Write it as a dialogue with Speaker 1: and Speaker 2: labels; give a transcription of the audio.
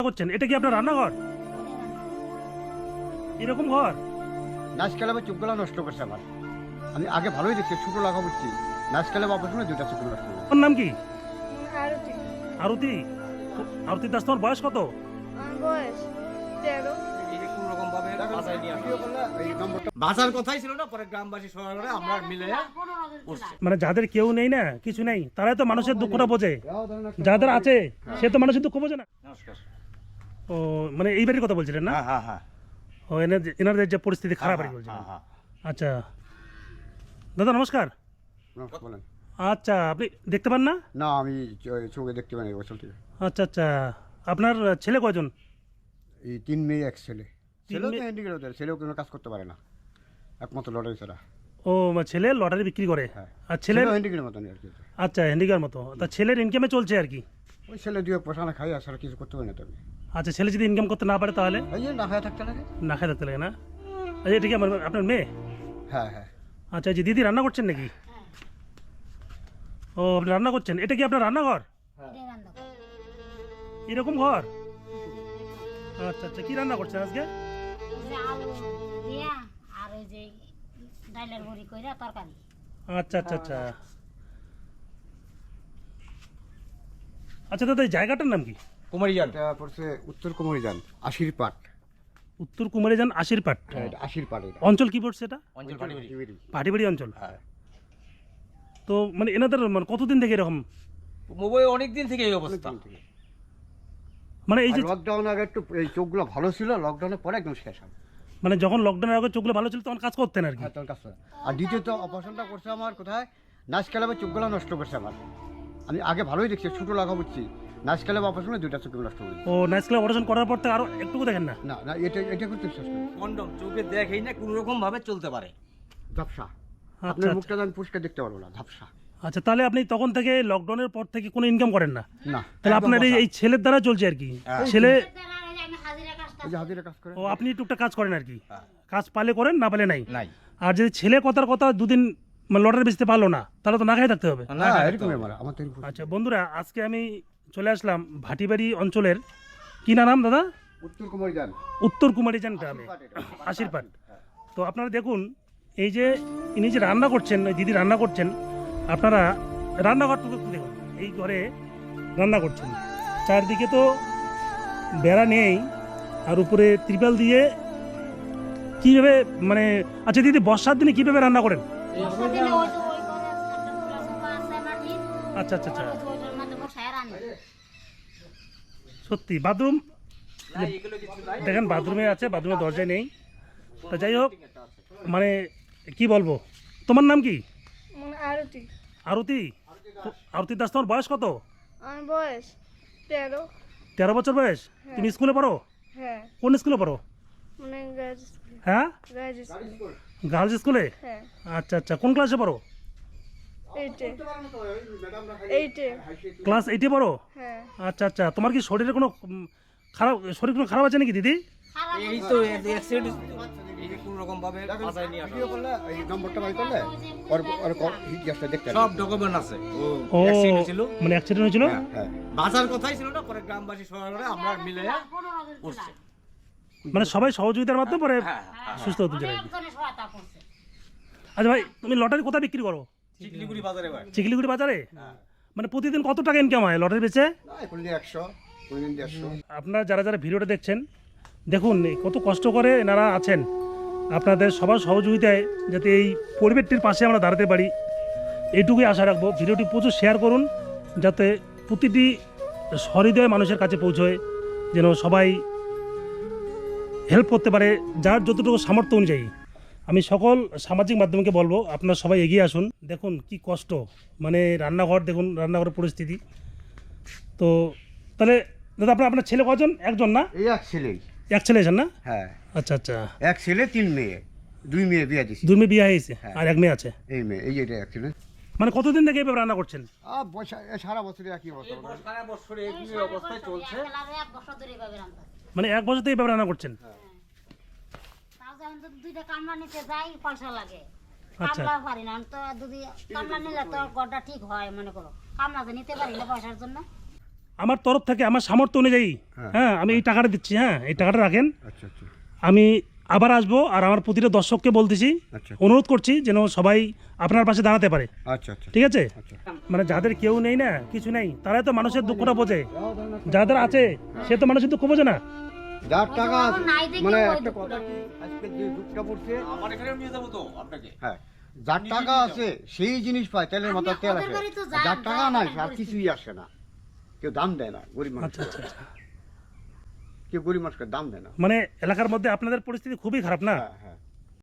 Speaker 1: করছেন এটা কি আপনার রান্নাঘর? এরকম ঘর?
Speaker 2: নাচ খেলাবে চোখগুলো নষ্ট করছে আমার। আমি আগে ভালোই দেখছি, ছোট লাগা বুঝছি, নাচ খেলাবে অপারেশন দুটা চোখ নষ্ট করছে।
Speaker 1: ওর নাম কি?
Speaker 3: আরতি।
Speaker 1: আরতি? আরতি দাস, তোমার বয়স কত?
Speaker 3: আমার বয়স 13।
Speaker 4: বাঁচার কথাই ছিল না, পরে গ্রামবাসী সবাই মিলে আমরা মিলে করছি।
Speaker 1: মানে যাদের কেউ নেই না, কিছু নেই, তারাই তো মানুষের দুঃখটা বোঝে। যাদের আছে সে তো মানুষের দুঃখ বোঝে না।
Speaker 4: নমস্কার।
Speaker 1: ও মানে এই বাড়ির কথা বলছিলেন না?
Speaker 4: হ্যাঁ হ্যাঁ।
Speaker 1: ও এনাদের যে পরিস্থিতি খারাপ আর কি বলছিলেন। আচ্ছা দাদা নমস্কার।
Speaker 2: বলেন।
Speaker 1: আচ্ছা আপনি দেখতে পান না?
Speaker 2: না, আমি চোখে দেখতে পাই না বছর থেকে।
Speaker 1: আচ্ছা আচ্ছা, আপনার ছেলে কয়জন?
Speaker 2: এই 3 মেয়ে 1 ছেলে।
Speaker 1: তিন
Speaker 2: ছেলেও তো
Speaker 1: মেয়ে-
Speaker 2: হ্যান্ডিক্যাপ, ওদের ছেলেও কোনো কাজ করতে পারে না, একমাত্র লটারি ছাড়া।
Speaker 1: ও ছেলে লটারি বিক্রি করে।
Speaker 2: হ্যাঁ।
Speaker 1: আর ছেলের
Speaker 2: হ্যান্ডিক্যাপের মতন আর কি।
Speaker 1: আচ্ছা হ্যান্ডিকার মতো, তা ছেলের ইনকামে চলছে আর কি।
Speaker 2: ওই ছেলে দিয়ে পোষানো খাই, আর ছাড়া কিছু করতে পারে না তবে।
Speaker 1: আচ্ছা ছেলে যদি ইনকাম করতে না পারে তাহলে
Speaker 2: এই যে না খায় থাকতে লাগে।
Speaker 1: না খাই থাকতে লাগে না? আচ্ছা এটা কি আপনার মেয়ে?
Speaker 2: হ্যাঁ হ্যাঁ।
Speaker 1: আচ্ছা এই যে দিদি রান্না করছেন নাকি? ও আপনি রান্না করছেন, এটা কি আপনার রান্নাঘর? এরকম ঘর? আচ্ছা আচ্ছা, কি রান্না করছেন আজকে?
Speaker 5: যে আলু দিয়া আর ওই যে ডাইলের বড়ি কইরা তরকারি।
Speaker 1: আচ্ছা আচ্ছা আচ্ছা। আচ্ছা দাদা এই জায়গাটার নাম কি?
Speaker 4: কুমারীজান।
Speaker 2: এটা পড়ছে উত্তর কুমারীজান, আশির পাট।
Speaker 1: উত্তর কুমারীজান আশিরপাট।
Speaker 2: হ্যাঁ, এটা আশির পাট। এটা
Speaker 1: অঞ্চল কি পড়ছে এটা?
Speaker 4: অঞ্চল পাটিবাড়ি।
Speaker 1: পাটিবাড়ি অঞ্চল।
Speaker 2: হ্যাঁ।
Speaker 1: তো মানে এনাদের মানে কতদিন থেকে এরকম
Speaker 4: মোবাইল অনেক দিন থেকে এই অবস্থা।
Speaker 1: মানে এই যে
Speaker 2: লকডাউন আগে একটু এই চোখগুলো ভালো ছিল, লকডাউনের পরে একদম শেষ হবে।
Speaker 1: মানে যখন লকডাউনের আগে চোখগুলো ভালো ছিল তখন কাজ করতেন আর কি।
Speaker 2: হ্যাঁ, তোর কাছে। আর দ্বিতীয়ত অপারেশনটা করছে আমার কোথায়, নাচ খেলাবে চোখগুলো নষ্ট করছে আমার। আমি আগে ভালোই দেখছি, ছোট লাগা বুঝছি, নাচ খেলাবে অপারেশনে দুটা চোখ নষ্ট করছে।
Speaker 1: ও নাইস ক্লাব অপারেশন করার পর থেকে আরো একটুকু দেখেন না?
Speaker 2: না না, এটা করতে শেষ করি।
Speaker 4: কন্ডম চোখে দেখেই না কোনো রকম ভাবে চলতে পারে।
Speaker 2: ঝাপসা।
Speaker 1: আচ্ছা
Speaker 2: আপনার
Speaker 1: আচ্ছা।
Speaker 2: মুখটা আমি পরিষ্কার দেখতে পারবো না, ঝাপসা।
Speaker 1: আচ্ছা তাহলে আপনি তখন থেকে লকডাউনের পর থেকে কোনো ইনকাম করেন না?
Speaker 2: না।
Speaker 1: তাহলে
Speaker 2: একদম
Speaker 1: আপনার
Speaker 2: বসা।
Speaker 1: এই ছেলের দ্বারা চলছে আর কি।
Speaker 4: হ্যাঁ।
Speaker 1: ছেলে
Speaker 5: আমি হাজিরা কাজটা
Speaker 2: ওই যে হাজিরা কাজ করে।
Speaker 1: ও আপনি টুকটাক কাজ করেন আর কি।
Speaker 4: হ্যাঁ।
Speaker 1: কাজ পালে করেন, না পালে নাই।
Speaker 4: নাই।
Speaker 1: আর যদি ছেলে কথার কথা দুদিন মানে লটারি বেচতে পারলো না তাহলে তো না খাই থাকতে হবে।
Speaker 4: না
Speaker 2: হ্যাঁ, এরকমই আমার তো এরকম।
Speaker 1: আচ্ছা বন্ধুরা, আজকে আমি চলে আসলাম ভাটিবাড়ি অঞ্চলের কি নাম দাদা?
Speaker 2: উত্তর কুমারীজান,
Speaker 1: উত্তর কুমারীজান গ্রামে আশিরপাট। তো আপনারা দেখুন এই যে ইনি যে রান্না করছেন, ওই দিদি রান্না করছেন, আপনারা রান্নাঘরটুকু একটু দেখুন। এই ঘরে রান্না করছেন, চারদিকে তো বেড়া নেই, আর উপরে ত্রিপাল দিয়ে কীভাবে মানে আচ্ছা দিদি বর্ষার দিনে কীভাবে রান্না করেন?
Speaker 5: বর্ষা দিলে ওই যে ওই ঘরে একটা খোলা সোফা আছে মাটির,
Speaker 1: আচ্ছা আচ্ছা আচ্ছা,
Speaker 5: ওই যে ওইটার মধ্যে বসায় রান্না।
Speaker 1: সত্যি বাথরুম
Speaker 4: না, এগুলো কিছু নাই।
Speaker 1: দেখেন, বাথরুমে আছে, বাথরুমের দরজায় নেই। তা যাই হোক, মানে কি বলবো, তোমার নাম কি?
Speaker 3: মানে আরতি।
Speaker 1: আরতি? আরতি দাস, তোমার বয়স কত?
Speaker 3: আমার বয়স 13।
Speaker 1: 13 বছর বয়স? তুমি স্কুলে পড়ো?
Speaker 3: হ্যাঁ,
Speaker 1: কোন স্কুলে পড়ো?
Speaker 3: মানে গার্লস স্কুল।
Speaker 1: হ্যাঁ,
Speaker 3: গার্লস স্কুল।
Speaker 1: গার্লস স্কুলে?
Speaker 3: হ্যাঁ,
Speaker 1: আচ্ছা আচ্ছা, কোন ক্লাসে পড়ো?
Speaker 3: 8-এ। 8-এ।
Speaker 1: ক্লাস 8-এ পড়ো?
Speaker 3: হ্যাঁ।
Speaker 1: আচ্ছা আচ্ছা, তোমার কি শরীরে কোনো খারাপ, শরীর কোনো খারাপ আছে নাকি দিদি?
Speaker 4: এই তো অ্যাক্সিডেন্ট, এই যে কোনো রকম ভাবে বাঁচায় নিয়ে আসা।
Speaker 2: ভিডিও করলে এই নম্বরটা বাই করলে ওর ইতিহাসটা দেখতে
Speaker 4: সব
Speaker 2: পারবেন।
Speaker 4: ডকুমেন্ট আছে। ও
Speaker 1: ও
Speaker 4: অ্যাক্সিডেন্ট ছিল।
Speaker 1: মানে অ্যাক্সিডেন্ট হয়েছিল?
Speaker 2: হ্যাঁ।
Speaker 4: বাঁচার কথাই ছিল না, পরে গ্রামবাসী সবাই মিলে আমরা মিলে
Speaker 5: 15 দিন
Speaker 4: করছি।
Speaker 1: মানে সবাই সহযোগিতার মাধ্যমে পরে
Speaker 4: হ্যাঁ।
Speaker 1: সুস্থ হতে চাই।
Speaker 5: অনেকজনের সহায়তা করছে।
Speaker 1: আচ্ছা ভাই, তুমি লটারি কোথায় বিক্রি করো?
Speaker 4: চিকলিগুড়ি বাজারে ভাই।
Speaker 1: চিকলিগুড়ি বাজারে? মানে প্রতিদিন কত টাকা ইনকাম হয় লটারি বেচে?
Speaker 2: না, কোনদিন 100, কোনদিন 150।
Speaker 1: আপনারা যারা যারা ভিডিওটা দেখছেন, দেখুন এই কত কষ্ট করে এনারা আছেন। আপনাদের সবার সহযোগিতায় যাতে এই পরিবেশটির পাশে আমরা দাঁড়াতে পারি, এইটুকুই আশা রাখবো। ভিডিওটি প্রচুর শেয়ার করুন যাতে প্রতিটি সহৃদয় মানুষের কাছে পৌঁছয়, যেন সবাই হেল্প করতে পারে যার যতটুকু সামর্থ্য অনুযায়ী। আমি সকল সামাজিক মাধ্যমকে বলবো আপনারা সবাই এগিয়ে আসুন। দেখুন কি কষ্ট, মানে রান্নাঘর দেখুন, রান্নাঘরের পরিস্থিতি। তো তাহলে দাদা আপনার ছেলে কজন? একজন না?
Speaker 2: এই এক ছেলেই।
Speaker 1: এক ছেলে আছেন না?
Speaker 2: হ্যাঁ,
Speaker 1: আচ্ছা আচ্ছা,
Speaker 2: এক ছেলে 3 মেয়ে, 2 মেয়ে বিয়ে দিছি।
Speaker 1: 2 মেয়ে বিয়ে হয়েছে
Speaker 2: হ্যাঁ।
Speaker 1: আর 1 মেয়ে আছে।
Speaker 2: এই মেয়ে, এই যে এটা অ্যাক্সিডেন্ট।
Speaker 1: মানে কতদিন থেকে এভাবে রান্না করছেন?
Speaker 2: সারা বছরে একই অবস্থা।
Speaker 4: সারা বছর এই অবস্থায় চলছে।
Speaker 5: এক বছর ধরে এভাবে রান্না।
Speaker 1: মানে 1 বছর থেকে এভাবে রান্না করছেন?
Speaker 5: তাও যখন তো দুইটা কামলা নিতে যাই পয়সা লাগে।
Speaker 1: আচ্ছা।
Speaker 5: কামলা পারি না, তো যদি কামলা নিলে তো গড়টা ঠিক হয়, মনে করো কামলা তো নিতে পারি না পয়সার জন্য।
Speaker 1: আমার তরফ থেকে আমার সামর্থ্য অনুযায়ী
Speaker 2: হ্যাঁ।
Speaker 1: হ্যাঁ আমি এই টাকাটা দিচ্ছি, হ্যাঁ এই টাকাটা রাখেন।
Speaker 2: আচ্ছা আচ্ছা
Speaker 1: আমি আবার আসবো, আর আমার প্রতিটা দর্শককে বলতেছি,
Speaker 2: আচ্ছা
Speaker 1: অনুরোধ করছি যেন সবাই আপনার পাশে দাঁড়াতে পারে,
Speaker 2: আচ্ছা আচ্ছা
Speaker 1: ঠিক আছে?
Speaker 2: আচ্ছা
Speaker 1: মানে যাদের কেউ নেই না, কিছু নেই, তারাই তো মানুষের দুঃখটা বোঝে। যাদের আছে সে তো মানুষের দুঃখ বোঝে না।
Speaker 2: যার টাকা আছে,
Speaker 5: নাই দেখে
Speaker 2: মানে
Speaker 5: ওই
Speaker 2: একটা কথা কি, আজকে যে যুগটা পড়ছে,
Speaker 4: আমার এখানেও নিয়ে যাবো তো আপনাকে।
Speaker 2: হ্যাঁ যার টাকা আছে সেই জিনিস পায়, তেলের মাথার তেল
Speaker 5: ওদের
Speaker 2: আসে।
Speaker 5: বাড়ি তো
Speaker 2: আর যার টাকা নাই আর
Speaker 5: পরিস্থিতি।
Speaker 2: কিছুই আসে না, কেউ দাম দেয় না গরিব মানুষ,
Speaker 1: আচ্ছা আচ্ছা আচ্ছা।
Speaker 2: কেউ গরিব মানুষকে দাম দেয় না।
Speaker 1: মানে এলাকার মধ্যে আপনাদের পরিস্থিতি খুবই খারাপ না?
Speaker 2: হ্যাঁ হ্যাঁ